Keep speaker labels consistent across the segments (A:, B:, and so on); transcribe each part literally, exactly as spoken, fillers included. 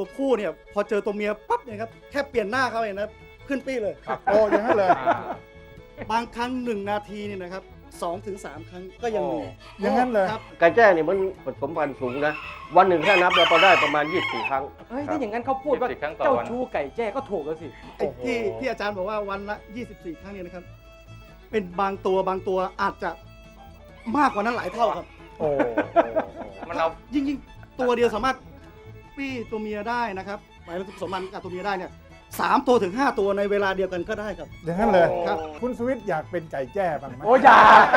A: ตัวผู้เนี่ยพอเจอตัวเมียปั๊บเนี่ยครับแค่เปลี่ยนหน้าเขาเองนะขึ้นปี้เลย
B: โอ้อย่างนั้นเลย
A: บางครั้งหนึ่งนาทีเนี่ยนะครับสองถึงสามครั้งก็ยังมี
B: อย่างนั้นเลย
A: ครับ
C: ไก่แจ้เนี่ยมันผสมพันธุ์สูงนะวันหนึ่งถ้านับเราก็ได้ประมาณยี่สิบสี่ครั้ง
D: เฮ้ยถ้าอย่างนั้นเขาพูดว่า
E: ยี่สิบสี่ครั้งต่อ
D: เจ้า
E: วัน
D: ชู้ไก่แจ้ก็ถูกแล้วสิ
A: ไอ้ที่ที่อาจารย์บอกว่าวันละยี่สิบสี่ครั้งเนี่ยนะครับเป็นบางตัวบางตัวอาจจะมากกว่านั้นหลายเท่าครับ
B: โอ้
E: มันเอา
A: ยิ่งยิ่งตัวเดียวสามารถปี้ตัวเมียได้นะครับหมายถึงผสมพันธุ์กับตัวเมียได้เนี่ยสามตัวถึงห้าตัวในเวลาเดียวกันก็ได้ครับ
B: อย่างนั้นเลย
A: ครับ
B: คุณสวิตอยากเป็นไก่แจ้บ้างไหม
D: โอ้ยา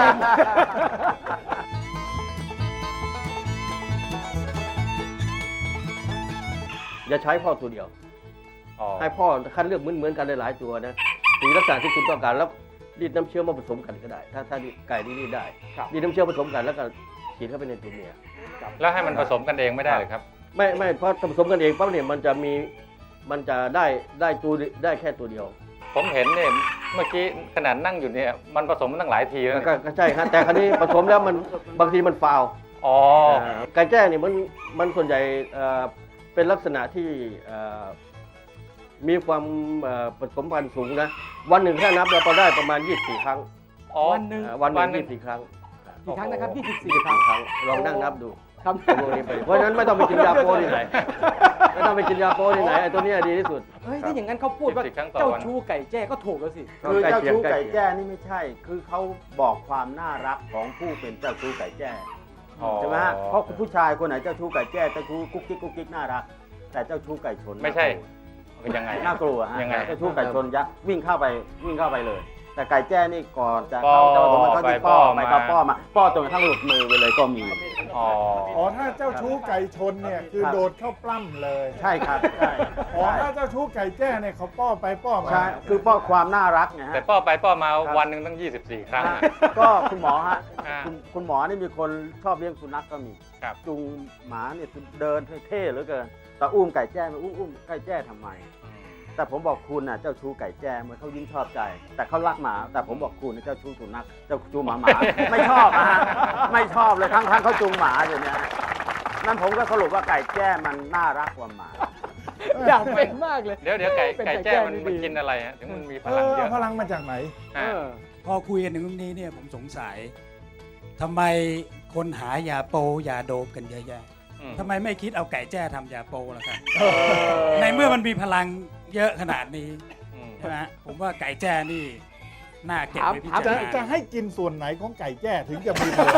C: อย่าใช้พ่อตัวเดียว
E: อ๋อ
C: ให้พ่อคัดเลือกเหมือนๆกันหลายๆตัวนะสีลักษณะที่คุณต้องการแล้วรีดน้ำเชื้อมาผสมกันก็ได้ ถ้าถ้าไก่นี่รีดได้รีดน้ำเชื้อผสมกันแล้วก็ฉีดเข้าไปในตัวเมีย
E: แล้วให้มันผสมกันเองไม่ได้เลยครับ
C: ไม่ไม่เพราะผสมกันเองปั๊บเนี่ยมันจะมีมันจะได้ได้ตัวได้แค่ตัวเดียว
E: ผมเห็นเนี่ยเมื่อกี้ขนาดนั่งอยู่เนี่ยมันผสมมาตั้งหลายทีแล้ว
C: ก็
E: เนี่ย
C: ก็ใช่ครับแต่คราวนี้ผสมแล้วมันบางทีมันฟาวล์
E: อ๋อ
C: อ่าไก่แจ้เนี่ยมันมันส่วนใหญ่เอ่อเป็นลักษณะที่เอ่อมีความเอ่อผสมพันธุ์สูงนะวันหนึ่งถ้านับเราก็ได้ประมาณยี่สิบสี่ครั้ง
E: อ๋อ
D: วันหนึ่ง
C: อ่าวันห
E: วั
C: นึ่
E: น
C: ง
E: หนึ่
C: ยี่
E: ง
C: สิบสี่ครั้ง
D: กี่ครั้งนะครับยี่สิบสี่
C: ยี่สิบ
D: ครั้
C: สี่
D: ง
C: ครั้งลองนั่งนับดู
D: ครับ
C: พวกนี้ไปเพราะฉะนั้นไม่ต้องไปกินยาโปที่ไหนไม่ต้องไปกินยาโปที่ไหนไอ้ตัวเนี้ยดีที่สุด
D: เฮ้ยถ้าอย่างนั้นเขาพูดว่า
E: ยี่สิบสี่ครั้งต่อ
D: เจ้า
E: วัน
D: ชู้ไก่แจ้ก็ถูกแล้วสิ
F: คือเจ้าชู้ไก่
C: ใล้เคียง
F: แจ้นี่ไม่ใช่ คือเขาบอกความน่ารักของผู้เป็นเจ้าชู้ไก่แจ้
E: อ๋อ
F: ใช่ไหมฮะ เพราะผู้ชายคนไหนเจ้าชู้ไก่แจ้เจ้าชู้กุ๊กกิ๊กกุ๊กกิ๊กน่ารัก แต่เจ้าชู้ไก่ชน
E: ไม่ใช่ยังไง
F: น่ากลัวฮะ
E: ยังไง
F: เจ้าชู้ไก่ชนยักษ์วิ่งเข้าไปวิ่งเข้าไปเลย แต่ไก่แจ้นี่ก่อนจะ
E: ป้อ
F: เข้าเจ้าสมมันเขาที่ป้อ
E: ไป
F: ไป
E: ป้อ
F: ก็ป้อ
E: มา
F: มาป้อจนกระทั่งหลุดมือไปเลยก็มี
E: อ๋อ
B: อ๋อถ้าเจ้าชู้ไก่ชนเนี่ยคือ
F: ครับ
B: โดดเข้าปล้ำเลย
F: ใช่ครับใช่
B: อ๋อ
F: ใช่
B: ถ้าเจ้าชู้ไก่แจ้เนี่ยเขาป้อไปป้อมา
F: ใช่คือป้อความน่ารักไงฮะ
E: แต่ป้อไปป้อมา
F: ครับ
E: วันหนึ่งตั้งยี่สิบสี่ครั้ง
F: ฮะ
E: อะ
F: ก็คุณหมอฮะ
E: อ่า
F: คุณคุณหมอนี่มีคนชอบเลี้ยงสุนัขก็มี
E: ครับ
F: จูงหมาเนี่ยเดินเท่ๆเหลือเกิน แต่อุ้มไก่แจ้มาอุ้มอุ้มไก่แจ้ทำไม แต่ผมบอกคุณน่ะเจ้าชู้ไก่แจ้เหมือนเขายิ่งชอบใจ แต่เขารักหมา แต่ผมบอกคุณน่ะเจ้าชู้สุนัขเจ้าชู้หมาหมา ไม่ชอบนะฮะไม่ชอบเลยทั้งทั้งเขาจูงหมาอยู่เนี่ยนั่นผมก็สรุปว่าไก่แจ้มันน่ารักกว่าหมา
D: อยากเป็นมากเลย
E: เดี๋ยวเดี๋ยวไก่
D: เป็น
E: ไก่แจ้มัน
D: ดี
E: มันกินอะไรฮะถึงมันมีพ
B: เอ
E: ลัง
B: อ
E: เยอะ
B: พลังมาจากไหน
D: เอ
E: อ่า
D: อ
G: พอคุยกันถึงตรงนี้เนี่ยผมสงสัยทำไมคนหายาโปยาโดบกันเยอะแยะ
E: อืม
G: ทำไมไม่คิดเอาไก่แจ้ทำยาโปล่ะครับในเมื่อมันมีพลังเยอะขนาดนี้
E: อืม
G: ใช่ไหมฮะผมว่าไก่แจ้นี่น่าเก็บไว้พิ
D: ถาม
G: จาร
B: จะ
G: ณา
B: จะให้กินส่วนไหนของไก่แจ้ถึงจะมีพลัง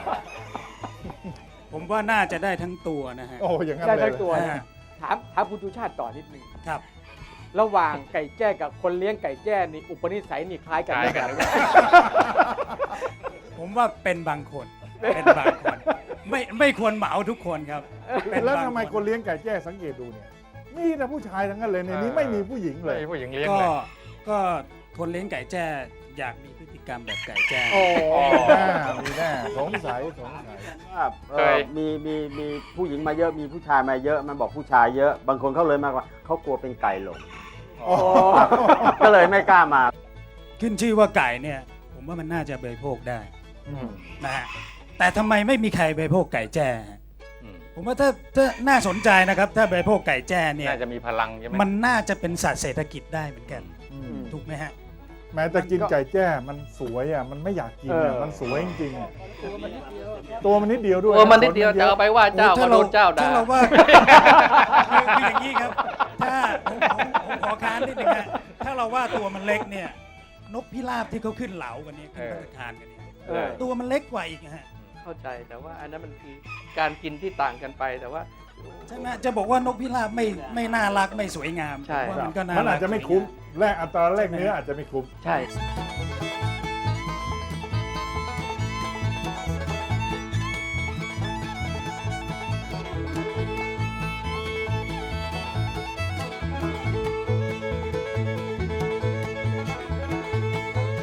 G: ผมว่าน่าจะได้ทั้งตัวนะฮะ
B: โอ้อย่างนั้น
D: ได้
B: เลย
D: ทั้งตัว
G: ฮะ
D: ถามถามคุณชูชาติต่อนิดนึง
G: ครับ
D: ระหว่างไก่แจ้กับคนเลี้ยงไก่แจ้นี่อุปนิสัยนี่คล้ายกันไหม
E: คล้ายกัน
G: ผมว่าเป็นบางคนเป็นบางคนไม่ไม่ควรเหมาทุกคนครับเป็น
B: แล้ว
G: บาง
B: ทำไมคนเลี้ยงไก่แจ้สังเกตดูเนี่ยมีแต่ผู้ชายทั้งนั้นเลยในนี้ไม่มีผู้หญิงเลย
E: ไม่มีผู้หญิงเลี้ยง
G: ก็
E: เลย
G: ก็คนเลี้ยงไก่แจ้อยากมีพฤติกรรมแบบไก่แจ้
B: โอ้มีแน่มีแน่สงสัยสงสัย
F: ว่าเอ่อมีมีมีผู้หญิงมาเยอะมีผู้ชายมาเยอะมันบอกผู้ชายเยอะ บางคนเขาเลยมากกว่าเขากลัวเป็นไก่หลง
B: โอ้
F: ก็เลยไม่กล้ามา
G: ขึ้นชื่อว่าไก่เนี่ย ผมว่ามันน่าจะบริโภคได้
B: อืม
G: นะฮะแต่ทำไมไม่มีใครบริโภคไก่แจ้ฮะ
E: อืม
G: ผมว่าถ้าถ้าน่าสนใจนะครับ ถ้าบริโภคไก่แจ้เนี่ย
E: น่าจะมีพลังใช่ไหม
G: มันน่าจะเป็นสัตว์เศรษฐกิจได้เหมือนกัน
B: อืม
G: ถูกไหมฮะ
B: แม้แต่กินไก่แจ้มันสวยอ่ะมันไม่อยากกินอ่ะ
D: เออ
B: มันสวยจริงๆอ่ะตัวมันนิดเดียวด้วย
H: เออมันนิดเดียวจะเอาไปว่าเจ้า
G: โอ้
H: ก็
G: ถ้า
H: โด
G: เรา
H: นเจ้าด่า
G: ถ้าเราว่า คือคืออย่างนี้ครับ ถ้าผมผมผมขอค้านนิดนึงฮะถ้าเราว่าตัวมันเล็กเนี่ย นกพิราบที่เขาขึ้นเหลากันเนี่ยขึ้นพัตตาคารกันเนี่ย
D: เออ
G: ตัวมันเล็กกว่าอีกนะฮะ
H: เข้าใจแต่ว่าอันนั้นมันคือการกินที่ต่างกันไปแต่ว่า
G: ใช่ไหมจะบอกว่านกพิราบไม่ไม่น่ารักไม่สวยงาม
H: ใช่
G: ผมว่ามันก็น่า
B: มัน
G: รั
B: อาจจะไม่คุ้มแลกอัตราแลกเนื้ออาจจะไม่คุ้ม
H: ใช่